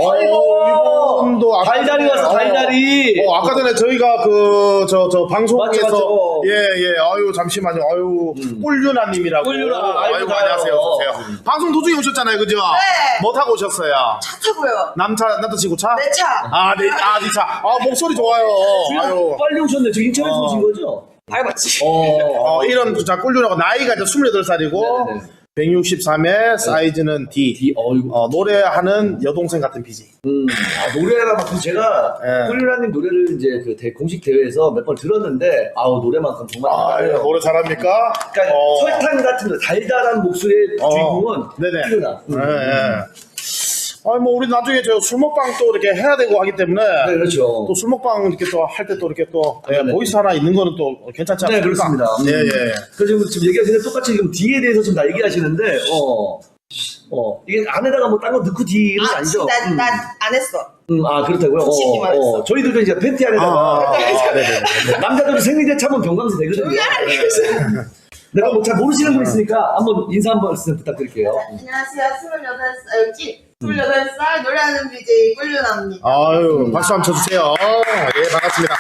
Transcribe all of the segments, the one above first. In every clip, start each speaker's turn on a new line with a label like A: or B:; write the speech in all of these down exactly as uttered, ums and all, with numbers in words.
A: 아이고, 이분도 아까
B: 달달이 왔어, 달달이.
A: 어, 아까 전에 저희가 그, 저, 저, 방송에서.
B: 맞죠, 맞죠.
A: 예, 예, 아유, 잠시만요. 아유,
B: 음.
A: 꿀유나님이라고.
B: 꿀유나,
A: 아이고,
B: 아이고,
A: 안녕하세요. 어서오세요.
B: 음.
A: 방송 도중에 오셨잖아요, 그죠?
C: 네.
A: 뭐 타고 오셨어요?
C: 차 타고요.
A: 남차, 남자친구 차?
C: 내 차.
A: 아, 네, 아, 네 차. 아, 목소리 좋아요. 아유.
B: 빨리 오셨네. 저 인천에서
A: 어.
B: 오신 거죠?
C: 밟았지.
B: 어,
A: 어, 이런, 자, 꿀유나고, 나이가 이제 스물여덟 살이고,
B: 네네네.
A: 백육십삼 회, 사이즈는 D.
B: 디, 어이구.
A: 어, 노래하는 여동생 같은 비지.
B: 음, 아, 노래만큼 제가
A: 예.
B: 꿀유라님 노래를 이제 그 대, 공식 대회에서 몇 번 들었는데, 아우, 노래만큼 정말.
A: 아,
B: 잘해요.
A: 노래 잘합니까?
B: 그러니까
A: 어.
B: 설탕 같은 거, 달달한 목소리의
A: 어.
B: 주인공은
A: 네네.
B: 꿀유나. 음.
A: 예, 예. 아니, 뭐, 우리 나중에 저 술 먹방 또 이렇게 해야 되고 하기 때문에.
B: 네, 그렇죠.
A: 또 술 먹방 이렇게 또 할 때 또 이렇게 또 예,
B: 네네.
A: 보이스 하나 있는 거는 또 괜찮지
B: 네,
A: 않습니까?
B: 그렇습니다. 음.
A: 예, 예.
B: 그래서 지금, 지금 얘기하시는 똑같이 지금 D에 대해서 지금 다 얘기하시는데, 어, 어, 이게 안에다가 뭐 딴 거 넣고 D는
C: 아,
B: 아니죠?
C: 난,
B: 음.
C: 난 안 했어.
B: 음, 아, 그렇다고요?
C: 솔직히
B: 어,
C: 말했어.
B: 어, 저희들도 이제 팬티
A: 아,
B: 안에다가.
A: 아, 아, 네네네.
B: 남자들은 생리대 차면 병강세 되거든요.
C: 조용히 하라,
B: 네. 내가 뭐 잘 모르시는 분 있으니까 한번 인사 한번 말씀 부탁드릴게요.
C: 안녕하세요. 스물여덟 살, 여기 스물여덟 살 노래하는 비제이 꿀유나입니다.
A: 아유, 박수 한번 쳐주세요. 예, 반갑습니다.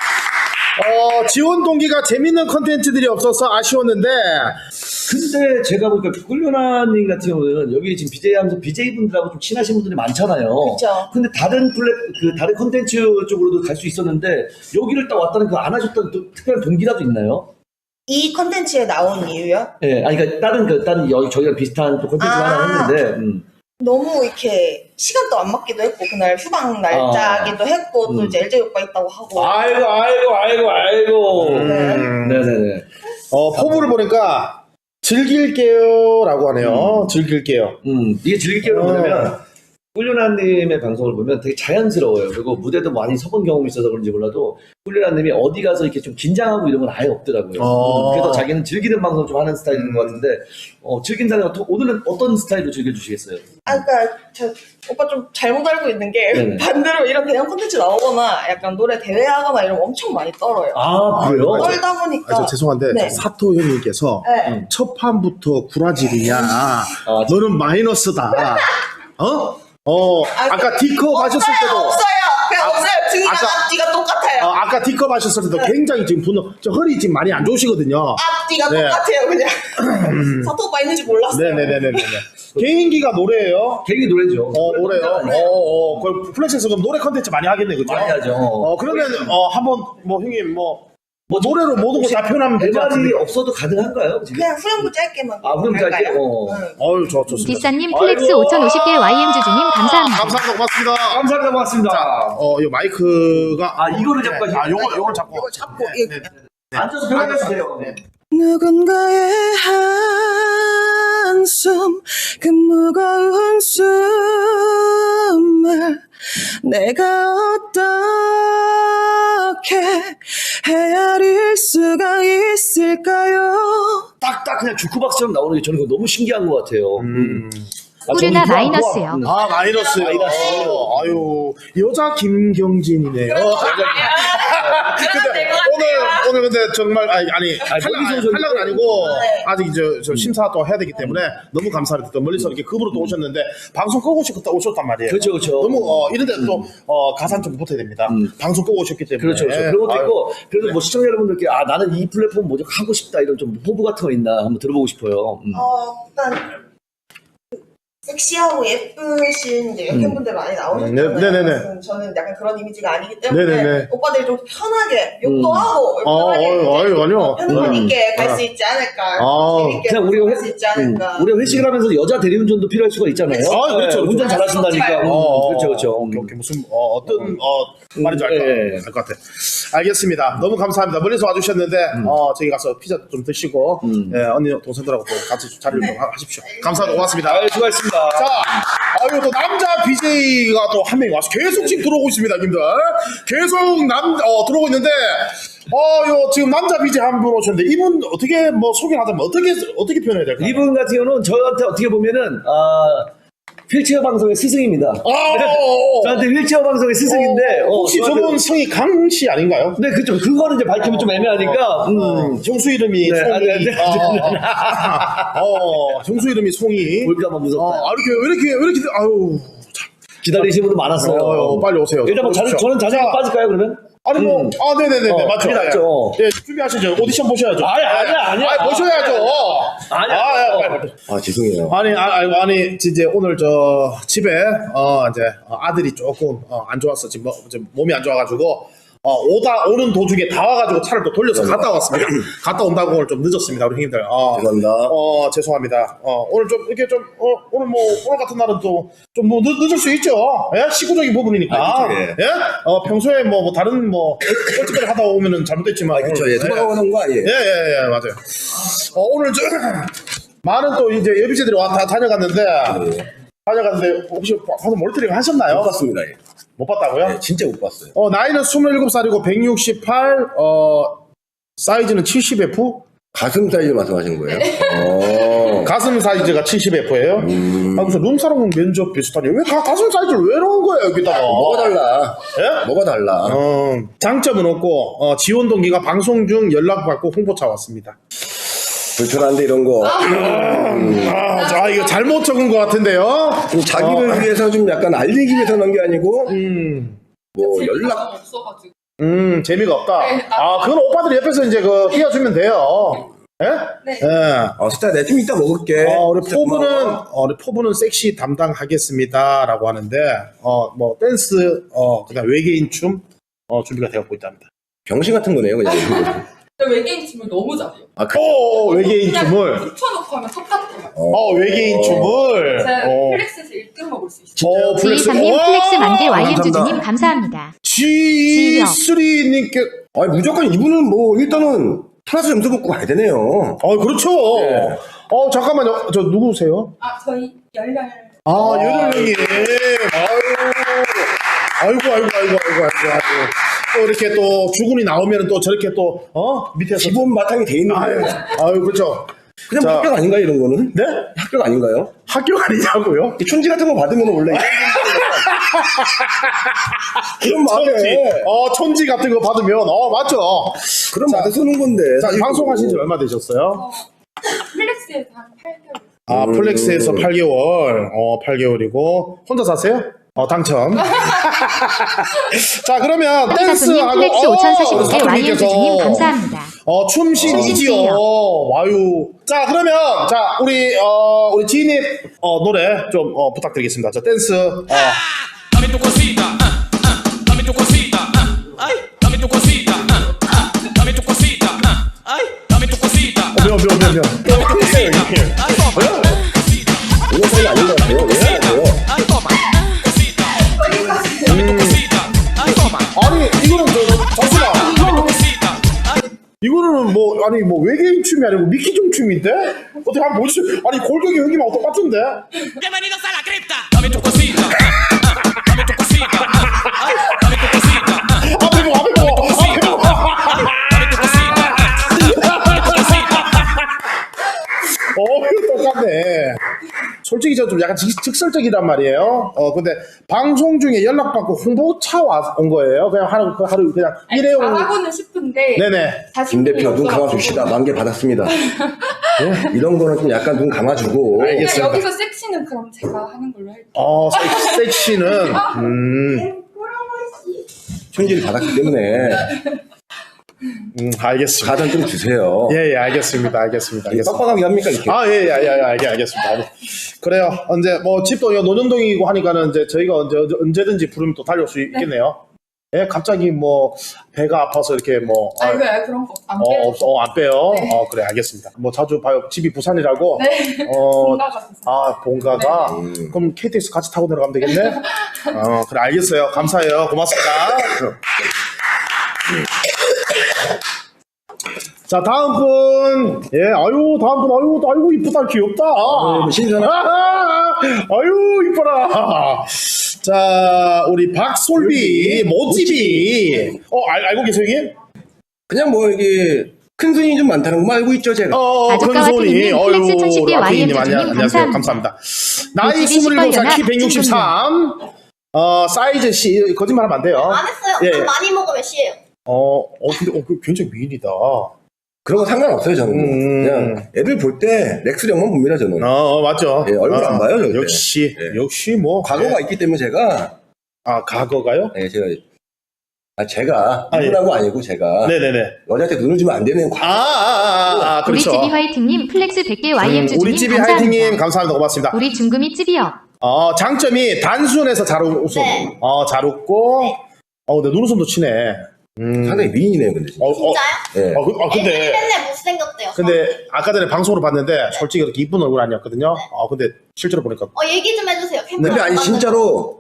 A: 어, 지원 동기가 재밌는 컨텐츠들이 없어서 아쉬웠는데,
B: 근데 제가 보니까 꿀유나님 같은 경우는 여기 지금 비제이 하면서 비제이 분들하고 좀 친하신 분들이 많잖아요.
C: 그쵸.
B: 근데 다른 플랫, 그 다른 컨텐츠 쪽으로도 갈 수 있었는데 여기를 딱 왔다는 그 안 하셨던 또 특별한 동기라도 있나요?
C: 이 컨텐츠에 나온 이유요?
B: 예, 아니, 그러니까 다른, 그, 다른 여기 저희랑 비슷한 또 컨텐츠
C: 아.
B: 하나 했는데, 음.
C: 너무 이렇게 시간도 안 맞기도 했고 그날 휴방 날짜기도 했고 또
B: 음.
C: 이제 엘제이 오빠 있다고 하고
B: 아이고, 아이고, 아이고, 아이고.
A: 음,
B: 네네네.
A: 어, 포부를 보니까, 즐길게요. 라고 하네요.
B: 음.
A: 즐길게요.
B: 음, 이게 즐길게요.
A: 어.
B: 뭐냐면, 꿀유나님의 방송을 보면 되게 자연스러워요. 그리고 무대도 많이 서본 경험이 있어서 그런지 몰라도, 꿀유나님이 어디 가서 이렇게 좀 긴장하고 이런 건 아예 없더라고요.
A: 어.
B: 음, 그래서 자기는 즐기는 방송 좀 하는 스타일인 것 같은데, 어, 즐긴다는 건, 오늘은 어떤 스타일로 즐겨주시겠어요?
C: 아 그러니까 저 오빠 좀 잘못 알고 있는 게
B: 네네.
C: 반대로 이런 대형 콘텐츠 나오거나 약간 노래 대회하거나 이러면 엄청 많이 떨어요.
B: 아, 그래요?
A: 아,
C: 떨다
A: 아,
C: 보니까
A: 저 죄송한데,
C: 네.
A: 저 사토 형님께서,
C: 네.
B: 음.
A: 첫 판부터 구라질이냐,
B: 아,
A: 너는 마이너스다. 어? 어,
C: 아,
A: 아까 D컵 하셨을
C: 없어요,
A: 때도,
C: 없어요. 그냥
A: 아,
C: 없어요. 등이랑
A: 아까-
C: 앞뒤가 똑같아요.
A: 어, 아까 D컵 하셨을 때도 굉장히 지금 분노, 저 허리 지금 많이 안 좋으시거든요.
C: 앞뒤가
A: 네.
C: 똑같아요. 그냥 사토 오빠 있는지 몰랐어요.
A: 네네네네네. 개인기가 노래예요?
B: 개인기 노래죠.
A: 어, 노래요?
B: 혼자는
A: 어, 어, 그 플래시에서 그럼 노래 컨텐츠 많이 하겠네, 그죠?
B: 많이 하죠.
A: 어, 그러면, 어, 한번, 뭐, 형님, 뭐, 뭐 노래로 모든 거 다 표현하면 되지
B: 내 말이
A: 않습니까?
B: 없어도 가능한가요? 지금?
C: 그냥 후렴구 짧게만.
B: 아, 후렴구 짧게?
C: 할까요?
B: 어.
C: 응.
A: 어유 저, 좋습니다.
D: 뒷산님 플렉스
B: 아이고.
D: 오천오십 개 와이엠 주주님 감사합니다.
A: 감사합니다. 고맙습니다.
B: 감사합니다. 고맙습니다.
A: 어, 이 마이크가.
B: 아, 이거를 잡고
A: 네.
B: 하시는
A: 아, 요거,
B: 거예요?
A: 요걸 잡고.
C: 이거 잡고
A: 네,
C: 이거
A: 네, 네.
B: 앉아서 편하게 네.
C: 누군가의 한숨 그 무거운 숨을 내가 어떻게 헤아릴 수가 있을까요?
B: 딱딱 그냥 주크박스처럼 나오는 게 저는 그거 너무 신기한 것 같아요.
A: 음.
B: 아,
D: 꿀유나
B: 저는 좋아,
D: 마이너스요.
B: 좋아. 음.
A: 아, 마이너스.
B: 마이너스.
A: 어, 아유, 여자 김경진이네요. 근데 오늘, 오늘 근데 정말, 아니, 아니,
B: 멀리서 오셨는데.
A: 탈락은 아니고,
C: 네.
A: 아직 이제 저 심사 또 해야 되기 때문에 너무 감사합니다. 또 멀리서 이렇게 급으로 또 오셨는데, 방송 끄고 오셨다 오셨단 말이에요.
B: 그렇죠, 그렇죠.
A: 너무, 어, 이런데 또, 어, 가산 좀 붙어야 됩니다.
B: 음.
A: 방송 끄고 오셨기 때문에.
B: 그렇죠, 그렇죠. 그런 것도
A: 아유.
B: 있고, 그래도 뭐 시청자 여러분들께, 아, 나는 이 플랫폼 뭐좀 하고 싶다, 이런 좀 포부 같은 거 있나 한번 들어보고 싶어요. 음.
C: 어 일단 섹시하고 예쁘신 이제 여성분들 많이 나오셨잖아요.
A: 네, 네네네.
C: 그래서 저는 약간 그런 이미지가 아니기 때문에
A: 네네네.
C: 오빠들이 좀 편하게 욕도
B: 음.
C: 하고
A: 어,
C: 편하게
A: 아유, 아유, 아니요.
C: 핸드폰
A: 음.
C: 있게 갈
A: 아.
C: 수 있지 않을까.
A: 아.
C: 재밌게
B: 그냥 우리가
C: 갈 수 있지 않을까.
B: 음, 우리가 회식을 하면서 여자 대리운전도 필요할 수가 있잖아요.
A: 아, 그렇죠, 그렇죠.
B: 운전
C: 아,
B: 잘하신다니까.
C: 썩지
B: 음,
A: 어,
B: 그렇죠, 그렇죠.
A: 오케이, 오케이. 무슨, 어, 어떤, 어, 말인지 알 것
B: 예.
A: 알 것 같아. 알겠습니다. 너무 감사합니다. 멀리서 와주셨는데, 어, 저기 가서 피자 좀 드시고,
B: 음.
A: 예, 언니, 동생들하고 또 같이 자리를 좀 하- 하십시오. 감사합니다. 고맙습니다.
B: 아, 수고하셨습니다.
A: 자, 아유, 또 남자 비제이가 또 한 명이 와서 계속 지금 들어오고 있습니다, 님들. 계속 남, 어, 들어오고 있는데, 어, 요, 지금 남자 비제이 한 분 오셨는데, 이분 어떻게 뭐 소개를 하자면 어떻게, 어떻게 표현해야 될까요?
B: 이분 같은 경우는 저한테 어떻게 보면은, 아, 휠체어 방송의 스승입니다.
A: 어, 어, 어.
B: 저한테 휠체어 방송의 스승인데, 어,
A: 혹시
B: 저한테-
A: 저분 성이 강씨 아닌가요?
B: 네, 그죠. 그거는 이제 밝히면 좀 애매하니까, 음.
A: 형수 이름이
B: 네,
A: 송이.
B: 아, 네, 네.
A: 어, 어, 형수 이름이 송이.
B: 볼까봐 무섭다.
A: 어, 아, 이렇게, 왜 이렇게, 왜 이렇게, 아유. 참.
B: 기다리시는 분도 많았어요.
A: 어, 빨리 오세요.
B: 일단 뭐 자주, 저는 자세히
A: 자,
B: 빠질까요 그러면?
A: 아니 뭐,
B: 음.
A: 아, 네네네,
B: 어,
A: 맞죠.
B: 그게 낫죠.
A: 예, 준비하시죠. 오디션 보셔야죠.
B: 아니, 아니야, 아니야.
A: 아니, 보셔야죠.
B: 아니야.
A: 아, 예, 빨리.
E: 아 죄송해요.
A: 아니, 아, 아니, 아니, 이제 오늘 저 집에 어 이제 아들이 조금 어, 안 좋았어. 지금, 뭐, 지금 몸이 안 좋아가지고 어 오다 오는 도중에 다 와가지고 차를 또 돌려서 갔다 왔습니다. 갔다 온다고 오늘 좀 늦었습니다, 우리 형님들. 어,
E: 죄송합니다.
A: 어 죄송합니다. 어 오늘 좀 이렇게 좀 어, 오늘 뭐 오늘 같은 날은 또 좀 뭐 늦을 수 있죠. 예, 시구적인 부분이니까.
E: 아, 그쵸, 예.
A: 예, 어 평소에 뭐, 뭐 다른 뭐 뻘짓거리 하다 오면은 잘못됐지만.
E: 그렇죠. 예,
A: 예.
E: 누가 오는 거 아니에요?
A: 예, 예, 예, 맞아요. 어, 오늘 저, 많은 또 이제 예비제들이 와, 다 다녀갔는데, 다녀갔는데, 혹시 가서 몰트링 하셨나요?
E: 못 봤습니다. 예.
A: 못 봤다고요?
E: 네, 진짜 못 봤어요.
A: 어, 나이는 스물일곱 살이고, 백육십팔, 어, 사이즈는 칠십 에프?
E: 가슴 사이즈 말씀하시는 거예요? 어.
A: 가슴 사이즈가 칠십 에프예요
E: 음.
A: 아, 무슨 룸사롱 면접 비슷하니? 왜 가, 가슴 사이즈를 왜 넣은 거예요, 여기다가?
E: 뭐가 달라?
A: 예?
E: 뭐가 달라?
A: 어, 장점은 없고, 어, 지원 동기가 방송 중 연락받고 홍보차 왔습니다.
E: 불편한데 이런 거.
A: 아, 자, 이거 잘못 적은 것 같은데요?
E: 좀 자기를 위해서 좀 약간 알리기 위해서 넣은 게 아니고
A: 음.
E: 뭐 연락.
F: 없어가지고.
A: 음, 재미가 없다.
F: 네,
A: 아, 그건 오빠들이 옆에서 이제 그 띄워주면 돼요. 예?
F: 네.
A: 예.
E: 어, 진짜 내 좀 이따 먹을게.
A: 어, 우리
E: 진짜
A: 포부는,
E: 고마워.
A: 어, 우리 포부는 섹시 담당하겠습니다. 라고 하는데, 어, 뭐, 댄스, 어, 그 다음 외계인 춤, 어, 준비가 되었고 있답니다.
E: 병신 같은 거네요, 그냥.
F: 근데 외계인 춤을 너무 잘해요.
E: 아, 그,
A: 오, 외계인
F: 그냥
A: 춤을.
F: 붙여놓고 하면 똑같아요.
A: 어, 외계인
E: 어.
A: 춤을.
F: 제가
A: 어,
F: 플렉스에서 일 등 먹을 수 있어요.
A: 어, 플렉스.
D: 지이삼님
A: 와!
D: 플렉스 만개 와이엠
E: 감사합니다.
D: 주주님 감사합니다.
A: 지 쓰리님께,
E: 아니, 무조건 이분은 뭐, 일단은 플러스 점수 먹고 가야 되네요.
A: 어, 그렇죠.
E: 네.
A: 어, 잠깐만요. 저 누구세요?
F: 아, 저희 열렬.
A: 아, 여덟명이. 아유. 아이고, 아이고, 아이고, 아이고, 아이고, 아이고. 또 이렇게 또 주군이 나오면 또 저렇게 또, 어? 밑에서.
E: 기본 바탕이 돼 있는
A: 아유,
E: 거예요.
A: 아유, 그렇죠.
E: 그냥
A: 자.
E: 합격 아닌가요, 이런 거는?
A: 네?
E: 합격 아닌가요?
A: 학교 아니냐고요?
E: 이 촌지 같은 거 받으면 원래. 그럼
A: 촌지.
E: 맞네.
A: 어, 촌지 같은 거 받으면, 어, 맞죠.
E: 그럼 받아 쓰는 건데.
A: 자, 이 방송하신 지 얼마 되셨어요?
F: 어, 플렉스에서 한 팔 개월.
A: 아,
E: 음.
A: 플렉스에서 팔 개월. 어, 팔 개월이고. 혼자 사세요? 어, 당첨. 자, 그러면
D: 사수님
A: 댄스하고.
D: 플렉스
A: 어,
D: 오천사십오 개
A: 사수님께서
D: 와이엠 주주님 감사합니다.
A: 어, 춤신이지요.
D: 춤신이요.
A: 와유. 자, 그러면, 자, 우리, 어, 우리 지인님, 어, 노래 좀, 어, 부탁드리겠습니다. 저 댄스, 어.
G: Dame tu cosita, ah, ah, dame tu cosita, ah, ay, dame tu cosita, ah, ah, dame tu cosita, ah, ay, dame tu cosita,
A: 어, 명, 명, 명, 명.
G: dame tu cosita, ay, toma, cosita,
E: 이런 사이 아닌 것 같아요. 왜 안 돼요?
G: ay, toma, cosita, dame tu cosita, ay, toma,
A: 아니, 이거는 저, 잠시만.
G: dame tu cosita, ay,
A: 이거는 뭐, 아니, 뭐, 외계인 춤이 아니고 미키종 춤인데? 어떻게 한번 보여주세요. 아니, 골격이 여기만 똑같은데?
G: bienvenidos a la cripta, dame tu cosita, ah, ah, dame tu cosita, ah, ay, dame tu cosita, ah,
A: 앞에 보고, 앞에 보고, 앞에 보고.
G: dame tu cosita, ah, dame tu cosita.
A: 어, 이거 똑같네. 솔직히 저 좀 약간 직, 직설적이란 말이에요. 어, 근데 방송 중에 연락받고 홍보차 와, 온 거예요. 그냥 하루, 그 하루 그냥 일회용.
F: 잘하고는 싶은데.
A: 네네.
E: 김 대표 눈 감아줍시다. 만개 받았습니다. 네? 이런 거는 좀 약간 눈 감아주고.
F: 그냥
A: 알겠습니다.
F: 여기서 섹시는 그럼 제가 하는 걸로 할게요.
A: 어, 섹- 섹시는, 음,
E: 촌지를 받았기 때문에
A: 음, 알겠습니다.
E: 가전 좀 주세요.
A: 예, 예, 알겠습니다. 알겠습니다. 알겠습니다.
E: 빡빡하게 합니까 이렇게?
A: 아, 예, 예, 예, 예, 알겠, 알겠습니다. 그래요. 언제, 뭐, 집도 여 노년동이고 하니까는 이제 저희가 언제, 언제든지 부르면 또 달려올 수 있겠네요. 예, 갑자기 뭐, 배가 아파서 이렇게 뭐,
F: 아,
A: 아,
F: 왜 그런 거 안
A: 어,
F: 빼요?
A: 없어, 어, 안 빼요.
F: 네.
A: 어, 그래, 알겠습니다. 뭐, 자주 봐요. 집이 부산이라고.
F: 네.
A: 어,
F: 본가가 있어요.
A: 아, 본가가?
E: 음.
A: 그럼 케이티엑스 같이 타고 내려가면 되겠네? 어, 그래, 알겠어요. 감사해요. 고맙습니다. 자, 다음 분. 예, 아유, 다음 분. 아유, 아이고, 이쁘다. 귀엽다.
E: 뭐 신선한.
A: 아, 아유, 이뻐라. 자, 우리 박솔비, 모찌비. 어, 알, 알고 계세요, 형님?
E: 그냥 뭐 이게 큰 손이 좀 많다는 거 알고 있죠 제가.
A: 어,
D: 아주까와
A: 큰손이.
D: 피디님, 플렉스 천십 개 와이엠
A: 라피님,
D: 주주님
A: 안녕하세요.
D: 감사합니다.
A: 감사합니다. 나이
D: 모찌비
A: 스물일곱 살, 키
D: 시뻘연아
A: 백육십삼. 어, 사이즈 시, 거짓말 하면 안 돼요.
C: 안 했어요.
A: 예.
C: 좀 많이 먹으면 씨예요.
A: 어, 어, 근데, 어, 그 굉장히 미인이다.
E: 그런 거 상관없어요 저는.
A: 음.
E: 그냥 애들 볼 때 렉스령만 봅니다 저는.
A: 어, 어, 맞죠.
E: 예, 얼굴
A: 아,
E: 안 봐요, 절대.
A: 역시,
E: 예.
A: 역시 뭐.
E: 과거가
A: 예.
E: 있기 때문에 제가
A: 아, 과거가요?
E: 예, 제가 아 제가
A: 아, 예.
E: 누구라고 아니고 제가
A: 네네네.
E: 여자한테 눈을 주면 안 되는
A: 아,
E: 과거.
A: 아, 아, 아,
D: 우리
A: 그렇죠.
D: 집이 화이팅님 플렉스 백 개 와이엠
A: 음,
D: 주주님
A: 우리 집이
D: 감사합니다.
A: 화이팅님 감사합니다. 고맙습니다.
D: 우리 중금이 찌비요.
A: 어, 장점이 단순해서 잘 웃어.
C: 네.
A: 어, 잘 웃고.
C: 네.
A: 어, 근데 눈웃음도 치네. 음.
E: 상당히 미인이네요 근데 진짜.
A: 어, 어,
C: 진짜요?
E: 예.
A: 어, 그, 어,
C: 애들이
A: 근데.
C: 맨날 못생겼대요.
A: 근데 아까 전에 방송으로 봤는데 솔직히 그렇게 이쁜 얼굴 아니었거든요. 어, 근데 실제로 보니까.
C: 어 얘기 좀 해주세요.
E: 근데 아니 진짜로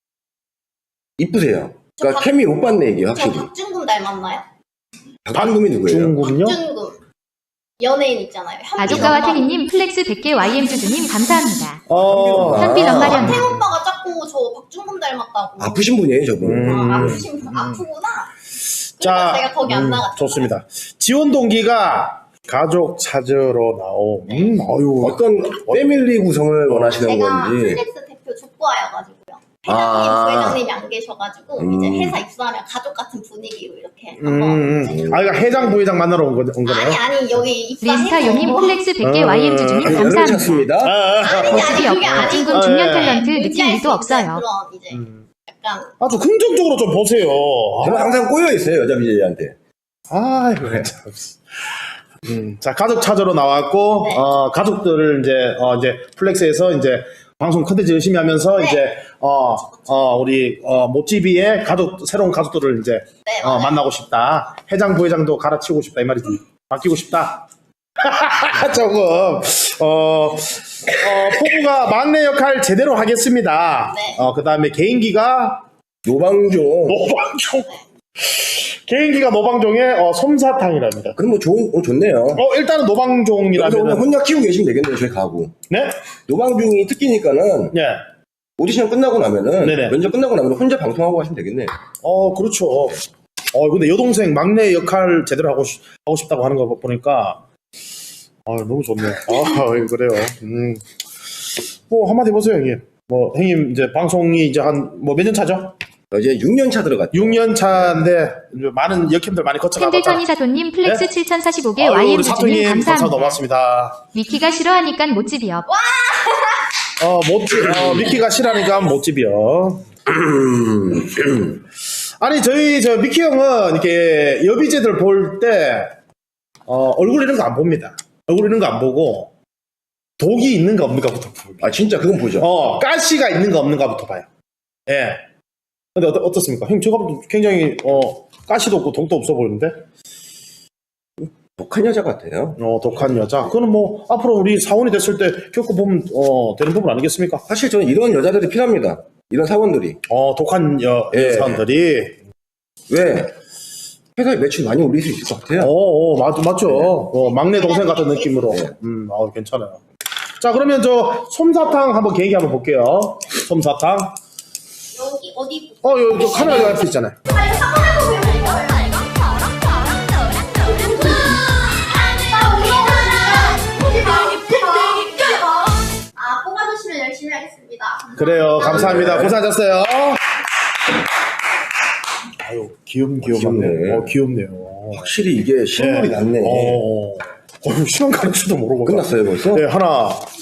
E: 이쁘세요. 그러니까
C: 박-
E: 케미 못 봤네 이게
C: 저
E: 확실히.
C: 박준금 닮았나요?
E: 박준금이 누구예요?
A: 중국은요?
C: 박준금 연예인 있잖아요. 현빈
D: 아조카와
C: 엄마.
D: 태희님 플렉스 백 개 와이엠 주주님 감사합니다.
A: 어,
D: 현빈
E: 아,
D: 엄마련.
C: 태오빠가 자꾸 저 박준금 닮았다고.
E: 아프신 분이에요 저분.
A: 음.
C: 아, 아프신 분 아프구나.
A: 자,
C: 그러니까 제가 거기 안
A: 음,
C: 나갔죠.
A: 좋습니다. 지원 동기가 가족 찾으러 나옴. 음, 어유.
E: 어떤 패밀리 구성을 원하시는
C: 제가
E: 건지.
C: 플렉스 대표 족보아여가지고요. 회장님,
E: 아.
C: 부회장님이 안 계셔가지고
E: 음.
C: 이제 회사 입사하면 가족 같은 분위기로 이렇게
A: 음,
C: 한번.
A: 음. 아, 그러니까 회장 부회장 만나러 온, 거, 온 거네요.
C: 아니 아니 여기 입사해서.
D: 리스타요님 플렉스 백 개
A: 어,
D: 와이엠 주주님
E: 열을
D: 감사합니다.
E: 찾습니다.
A: 아, 아,
C: 아니
D: 모습이
C: 아니 그게
D: 없고
C: 아니고
D: 찐군 중년
A: 예.
D: 탤런트 느낌
C: 의지할 수
D: 일도
C: 있는
D: 없어요.
C: 그런 이제
A: 음.
C: 약간
A: 아주 긍정적으로 좀 보세요.
E: 저는 항상 꼬여 있어요 여자 비제이한테.
A: 아, 이거 참. 음, 자, 가족 찾으러 나왔고,
C: 네.
A: 어, 가족들을 이제, 어, 이제, 플렉스에서 이제, 방송 컨텐츠 열심히 하면서,
C: 네.
A: 이제, 어, 어, 우리, 어, 모찌비의 가족, 새로운 가족들을 이제,
C: 네,
A: 어,
C: 맞아요.
A: 만나고 싶다. 회장, 부회장도 갈아치우고 싶다. 이 말이지. 바뀌고 싶다. 조금, 어, 어, 포부가 막내 역할 제대로 하겠습니다.
C: 네.
A: 어, 그 다음에 개인기가,
E: 노방종.
A: 노방종. 개인기가 노방종의 어, 솜사탕이랍니다.
E: 그럼 뭐 좋은 어, 좋네요.
A: 어, 일단은
E: 그래서 오늘
A: 노방종이라면.
E: 혼자 키우고 계시면 되겠네요 저희 가구.
A: 네?
E: 노방종이 특기니까는
A: 네.
E: 오디션 끝나고 나면은
A: 네네.
E: 면접 끝나고 나면 혼자 방송하고 하시면 되겠네요.
A: 어, 그렇죠. 어, 근데 여동생 막내 역할 제대로 하고, 싶, 하고 싶다고 하는 거 보니까, 아, 너무 좋네. 아, 그래요. 음. 뭐, 한마디 해보세요, 형님. 뭐, 형님, 이제 방송이 이제 한, 뭐, 몇 년 차죠?
E: 어, 이제 육 년 차 들어갔죠.
A: 육 년 차인데, 이제 많은 역캠들 많이 거쳐가고.
D: 캔들천이 사돈님 플렉스 칠천사십오 개
A: 아유,
D: 와이엠
A: 우리 사토님,
D: 주주님
A: 감사
D: 감사합니다.
A: 고맙습니다.
D: 위키가 싫어하니까 못집이요.
A: 어, 못집, 어, 미키가 싫어하니까 못집이요. 아니, 저희, 저, 미키 형은, 이렇게, 여비제들 볼 때, 어, 얼굴 이런 거 안 봅니다. 얼굴 이런 거 안 보고, 독이 있는가 없는가부터 보고.
E: 아 진짜 그건 보죠.
A: 어, 가시가 있는가 없는가부터 봐요. 예. 근데 어떻, 어떻습니까? 형, 제가 봐도 굉장히, 어, 가시도 없고 독도 없어 보이는데?
E: 독한 여자 같아요.
A: 어, 독한 여자. 그거는 뭐, 앞으로 우리 사원이 됐을 때 겪어보면, 어, 되는 부분 아니겠습니까?
E: 사실 저는 이런 여자들이 필요합니다. 이런 사원들이.
A: 어, 독한 여,
E: 예.
A: 사람들이.
E: 왜? 회사에 매출 많이 올릴 수 있을 것 같아요.
A: 어, 어, 맞, 맞죠. 어, 막내 동생 같은 느낌으로.
E: 네.
A: 음, 어, 괜찮아요. 자, 그러면 저, 솜사탕 한번 계기 한번 볼게요. 솜사탕.
C: 여기 어디
A: 어, 여기 저 카메라 앞에 있잖아요.
C: 아니 사과를 보면 이거 아 뽑아주시면 열심히 하겠습니다.
A: 그래요. 감사합니다. 고생하셨어요. 아유, 귀염귀염하네.
E: 귀엽네.
A: 어, 귀엽네요.
E: 확실히 이게 실물이 낫네.
A: 어, 어, 시간 가는 줄도 모르고.
E: 끝났어요 벌써?
A: 네, 하나,